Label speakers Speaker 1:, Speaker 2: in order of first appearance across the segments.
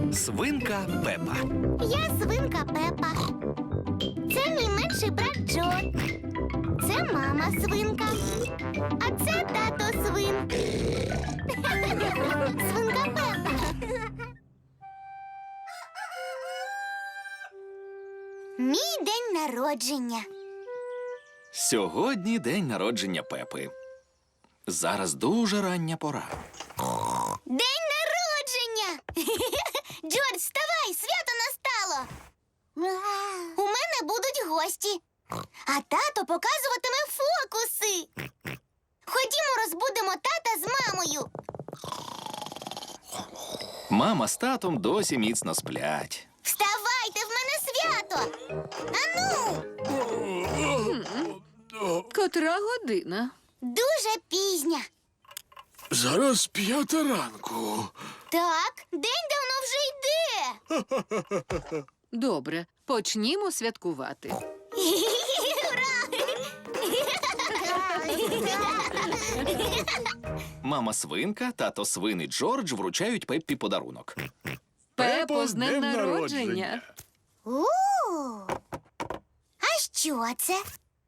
Speaker 1: Свинка Пепа.
Speaker 2: Я свинка Пепа. Це мій менший брат Джо. Це мама свинка. А це тато свин. Свинка Пепа. Мій день народження.
Speaker 1: Сьогодні день народження Пепи. Зараз дуже рання пора.
Speaker 2: День народження! Джордж, вставай, свято настало! У мене будуть гості, а тато показуватиме фокуси. Ходімо, розбудимо тата з мамою.
Speaker 1: Мама з татом досі міцно сплять.
Speaker 2: Вставайте, в мене свято! Ану!
Speaker 3: Котра година?
Speaker 2: Дуже пізня.
Speaker 4: Зараз 5 ранку.
Speaker 2: Так, день давно вже йде.
Speaker 3: Добре, почнімо святкувати.
Speaker 1: Мама свинка, тато свин і Джордж вручають Пеппі подарунок.
Speaker 3: Пепо, з днем народження!
Speaker 2: У. А що це?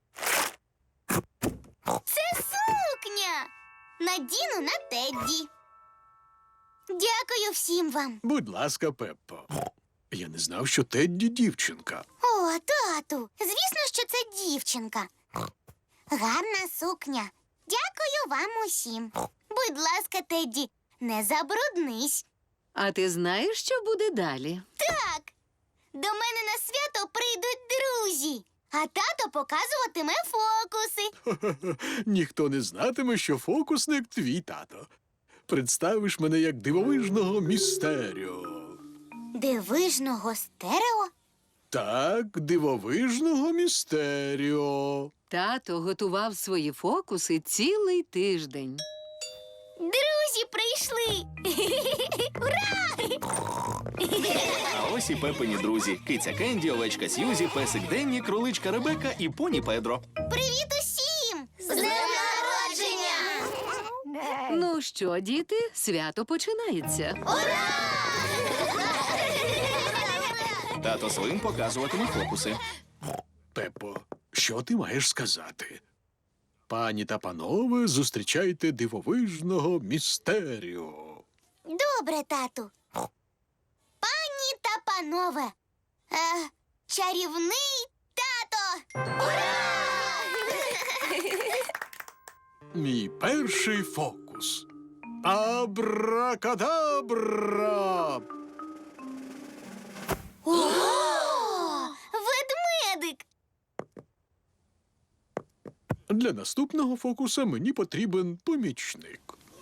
Speaker 2: Це сукня. Надіну на Тедді. Дякую всім вам.
Speaker 4: Будь ласка, Пеппо. Я не знав, що Тедді дівчинка.
Speaker 2: О, тату, звісно, що це дівчинка. Гарна сукня. Дякую вам усім. Будь ласка, Тедді, не забруднись.
Speaker 3: А ти знаєш, що буде далі?
Speaker 2: Так, до мене на свято прийдуть друзі, а тато показуватиме фокуси.
Speaker 4: Ніхто не знатиме, що фокусник твій тато. Представиш мене як дивовижного містеріо.
Speaker 2: Дивижного стерео?
Speaker 4: Так, дивовижного містеріо.
Speaker 3: Тато готував свої фокуси цілий тиждень.
Speaker 2: Друзі прийшли.
Speaker 1: А ось і Пепині друзі. Киця Кенді, овечка Сьюзі, песик Денні, кроличка Ребека і поні Педро.
Speaker 2: Привіт усім! З днем народження!
Speaker 3: Ну що, діти, свято починається.
Speaker 1: Тато свин показуватиме фокуси.
Speaker 4: Пеппо, що ти маєш сказати? Пані та панове, зустрічайте дивовижного містеріо.
Speaker 2: Добре, тату. Пані та панове. Чарівний тато. Ура!
Speaker 4: Мій перший фокус. Абракадабра!
Speaker 2: О! Ведмедик.
Speaker 4: Для наступного фокуса мені потрібен помічник.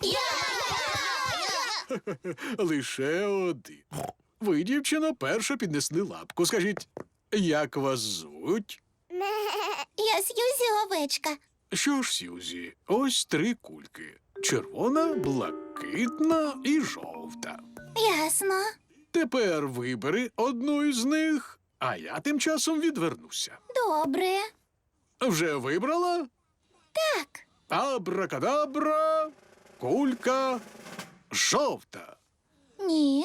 Speaker 4: Лише один. Ви, дівчино, перша піднесли лапку. Скажіть, як вас звуть?
Speaker 2: Я Сьюзі овечка.
Speaker 4: Що ж, Сьюзі, ось 3 кульки. Червона, блакитна і жовта.
Speaker 2: Ясно.
Speaker 4: Тепер вибери одну із них, а я тим часом відвернуся.
Speaker 2: Добре.
Speaker 4: Вже вибрала?
Speaker 2: Так.
Speaker 4: Абракадабра, кулька жовта.
Speaker 2: Ні.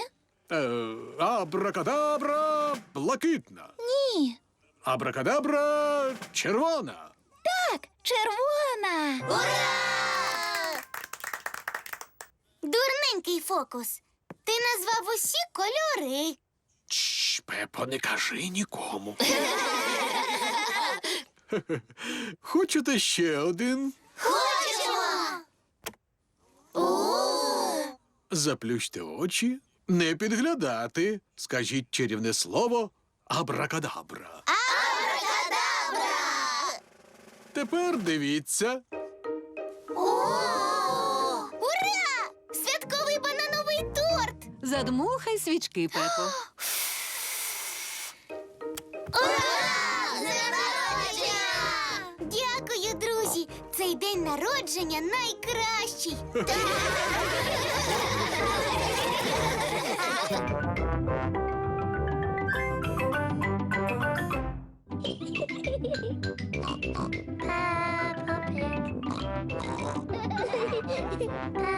Speaker 4: Абракадабра, блакитна.
Speaker 2: Ні.
Speaker 4: Абракадабра, червона.
Speaker 2: Так, червона. Ура! Дурненький фокус. Ти назвав усі кольори.
Speaker 4: Чш, Пепо, не кажи нікому. Хочете ще один?
Speaker 2: Хочемо!
Speaker 4: Заплющте очі, не підглядати. Скажіть чарівне слово абракадабра.
Speaker 2: Абракадабра!
Speaker 4: Тепер дивіться.
Speaker 2: Ура! Святковий банановий торт!
Speaker 3: Задмухай свічки, Пепо.
Speaker 2: Ура! З днем народження! Дякую, друзі! Цей день народження найкращий! Peppa Pig.